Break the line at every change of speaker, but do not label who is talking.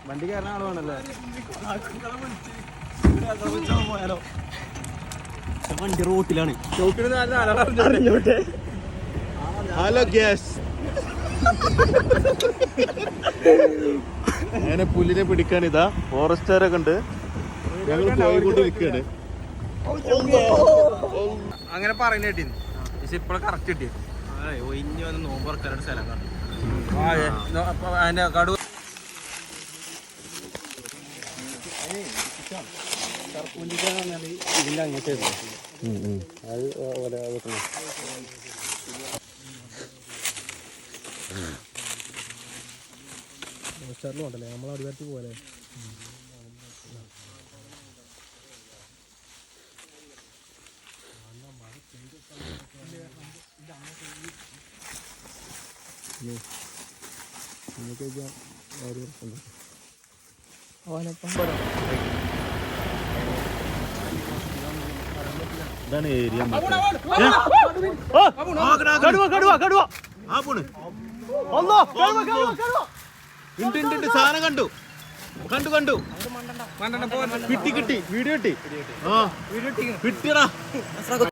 വണ്ടി കയറാൻ ആള് വേണല്ലേ? വണ്ടി റോട്ടിലാണ്.
Hello gas. അങ്ങനെ പുല്ലിനെ പിടിക്കാൻ ഇതാ ഫോറസ്റ്റുകാരൊക്കെ ഉണ്ട്. ഞങ്ങൾ പോയിക്കൊണ്ടിരിക്കുകയാണ്.
അങ്ങനെ പറയുന്ന കേട്ടിന്ന്. പക്ഷെ ഇപ്പോഴും കറക്റ്റ് കിട്ടി. ഒഴിഞ്ഞ് വന്ന് നോമ്പ് തുറക്കാനായിട്ട് സ്ഥലം കണ്ടു. അതിന്റെ കടു ഇതിന്റെ അങ്ങനത്തെ അത് പോലെ ഉണ്ടല്ലേ നമ്മൾ അടിവാറ്റി പോലെ.
ഇതാണ് ഏരിയ. സാധനം കണ്ടു കിട്ടി വീഡിയോ കിട്ടി. കിട്ടിയടാ.